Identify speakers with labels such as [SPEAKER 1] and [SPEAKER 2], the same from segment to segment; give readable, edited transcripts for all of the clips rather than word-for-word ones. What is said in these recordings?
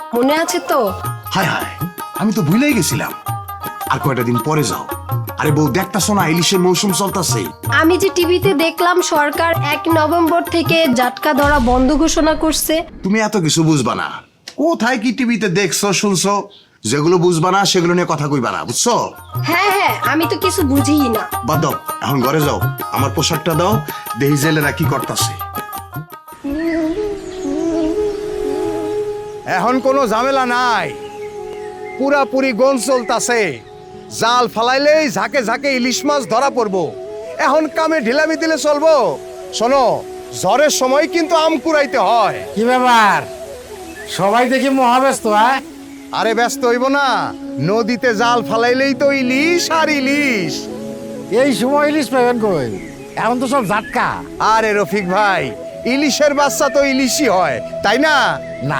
[SPEAKER 1] মনে আছে তো?
[SPEAKER 2] হায় হায়, আমি তো ভুলেই গেছিলাম। আর কয়টা দিন পরে যাও। আরে বউ, দেখতাছো না ইলিশের মৌসুম চলতেছে।
[SPEAKER 1] আমি যে টিভিতে দেখলাম সরকার 1 নভেম্বর থেকে জাটকা ধরা বন্ধ ঘোষণা করছে।
[SPEAKER 2] তুমি এত কিছু বুঝবা না। কোথায় কি টিভিতে দেখছো শুনছো? যেগুলো বুঝবা না সেগুলো নিয়ে কথা কইবা না, বুঝছো?
[SPEAKER 1] হ্যাঁ হ্যাঁ, আমি তো কিছু বুঝিই না।
[SPEAKER 2] বাদ দাও, এখন ঘরে যাও। আমার পোশাকটা দাও, দেহি জেলেরা কি করতেছে। এখন কোনো ঝামেলা নাই, পুরাপুরি গন চলতাছে। জাল ফালাইলেই ঝাঁকে ঝাঁকে ইলিশ মাছ ধরা পড়বো। এখন কামে ঢিলামি দিলে চলবো? শোনো, ঝড়ের সময় কিন্তু আম কুড়াইতে হয়।
[SPEAKER 3] কি ব্যাপার, সবাই দেখি মহাব্যস্ত?
[SPEAKER 2] আরে ব্যস্ত হইব না, নদীতে জাল ফালাইলেই তো ইলিশ আর ইলিশ।
[SPEAKER 3] এই সময় ইলিশ পাবেন কই? এখন তো সব জাটকা।
[SPEAKER 2] আরে রফিক ভাই, ইলিশের বাচ্চা তো ইলিশই হয়, তাই না?
[SPEAKER 3] না,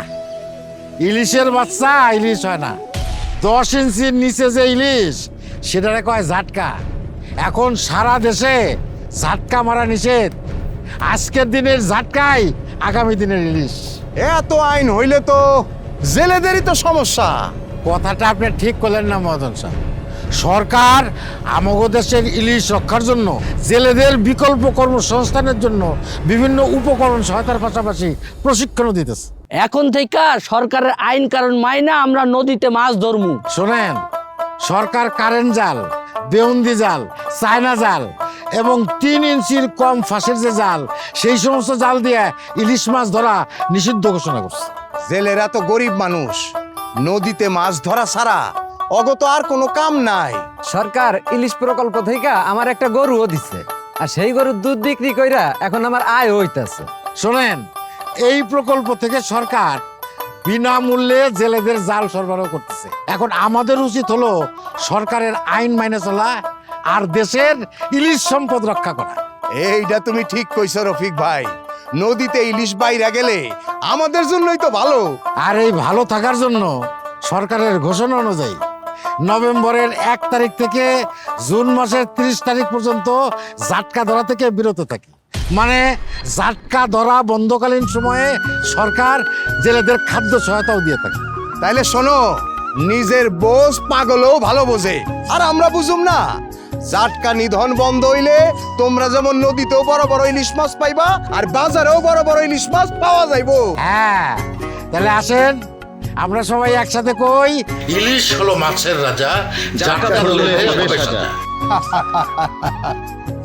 [SPEAKER 3] ইলিশের বাচ্চা ইলিশ হয় না। 10 ইঞ্চির নিচে যে ইলিশ, সেটারে কয় জাটকা। এখন সারা দেশে জাটকা মারা নিষেধ। আজকের দিনের জাটকাই আগামী দিনের ইলিশ।
[SPEAKER 2] এত আইন হইলে তো জেলেদেরই তো সমস্যা।
[SPEAKER 3] কথাটা আপনি ঠিক করলেন না মদন সাহেব। সরকার আমাগো দেশের ইলিশ রক্ষার জন্য জেলেদের বিকল্প কর্মসংস্থানের জন্য বিভিন্ন উপকরণ সহায়তার পাশাপাশি প্রশিক্ষণও দিতেছে।
[SPEAKER 4] এখন থেকে সরকারের আইন কারণ মাইনা আমরা নদীতে মাছ ধরমু।
[SPEAKER 3] শোনেন, সরকার কারেন্ট জাল, বেউন্দি জাল, চায়না জাল এবং 3 ইঞ্চির কম ফাঁসের যে জাল, সেই সমস্ত জাল দিয়ে ইলিশ মাছ ধরা নিষিদ্ধ ঘোষণা করছে।
[SPEAKER 2] জেলেরা তো গরিব মানুষ, নদীতে মাছ ধরা ছাড়া অগত আর কোনো কাম নাই।
[SPEAKER 5] সরকার ইলিশ প্রকল্প থেকে আমার একটা গরুও দিচ্ছে, আর সেই গরুর দুধ বিক্রি কইরা এখন আমার আয় হইতাছে।
[SPEAKER 3] শোনেন, এই প্রকল্প থেকে সরকার বিনামূল্যে জেলেদের জাল সরবরাহ করতেছে। এখন আমাদের উচিত হলো সরকারের আইন মাইনে চলা আর দেশের ইলিশ সম্পদ রক্ষা করা।
[SPEAKER 2] এইটা তুমি ঠিক কইছো রফিক ভাই, নদীতে ইলিশ বাইরা গেলে আমাদের জন্যই তো ভালো।
[SPEAKER 3] আর এই ভালো থাকার জন্য সরকারের ঘোষণা অনুযায়ী নভেম্বরের 1 তারিখ থেকে জুন মাসের 30 তারিখ পর্যন্ত জাটকা ধরা থেকে বিরত থাকি। মানে জাটকা ধরা বন্ধকালীন সময়ে সরকার জেলেদের খাদ্য সহায়তাও দিয়ে থাকে।
[SPEAKER 2] তাইলে শোনো, নিজের বোঝ পাগলও ভালো বোঝে, আর আমরা বুঝুম না। জাটকা নিধন বন্ধ হইলে তোমরা যেমন নদীতেও বড় বড় ইলিশ মাছ পাইবা, আর বাজারেও বড় বড় ইলিশ মাছ পাওয়া যাইবো।
[SPEAKER 3] হ্যাঁ, তাহলে আসেন আমরা সবাই একসাথে কই, ইলিশ হলো মাছের রাজা, জাটকা ধরলে হবে সাজা।